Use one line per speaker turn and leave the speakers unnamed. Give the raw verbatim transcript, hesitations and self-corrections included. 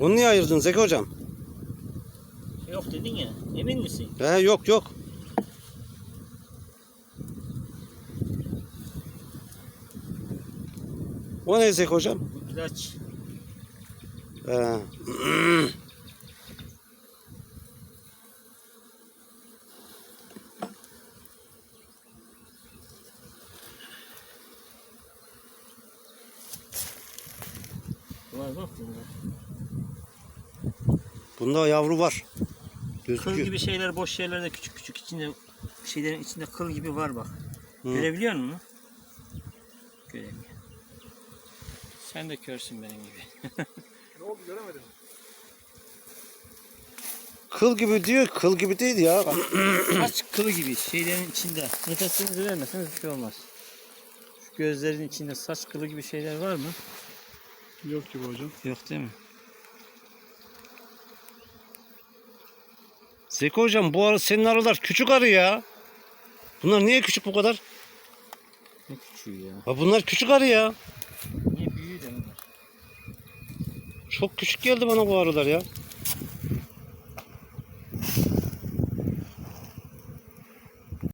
Onu niye ayırdın Zeki hocam?
Yok dedin ya. Emin misin?
He yok yok. O ne Zeki hocam?
İlaç.
He.
Var bak bunda.
Bunda yavru var.
Kıl
Gözüküyor.
gibi şeyler, boş yerlerde küçük küçük içinde şeylerin içinde kıl gibi var bak.
Hı.
Görebiliyor musun? Göremiyor. Sen de körsün benim gibi.
Ne oldu göremedim.
Kıl gibi diyor, kıl gibi değil ya.
Saç kılı gibi şeylerin içinde. Nefesinizi vermeseniz bir şey olmaz. Şu gözlerin içinde saç kılı gibi şeyler var mı?
Yok gibi hocam.
Yok değil mi?
Zeki hocam bu arı senin arılar küçük arı ya. Bunlar niye küçük bu kadar?
Ne küçüğü ya.
Ha bunlar küçük arı ya.
Niye büyüğü de bunlar?
Çok küçük geldi bana bu arılar ya.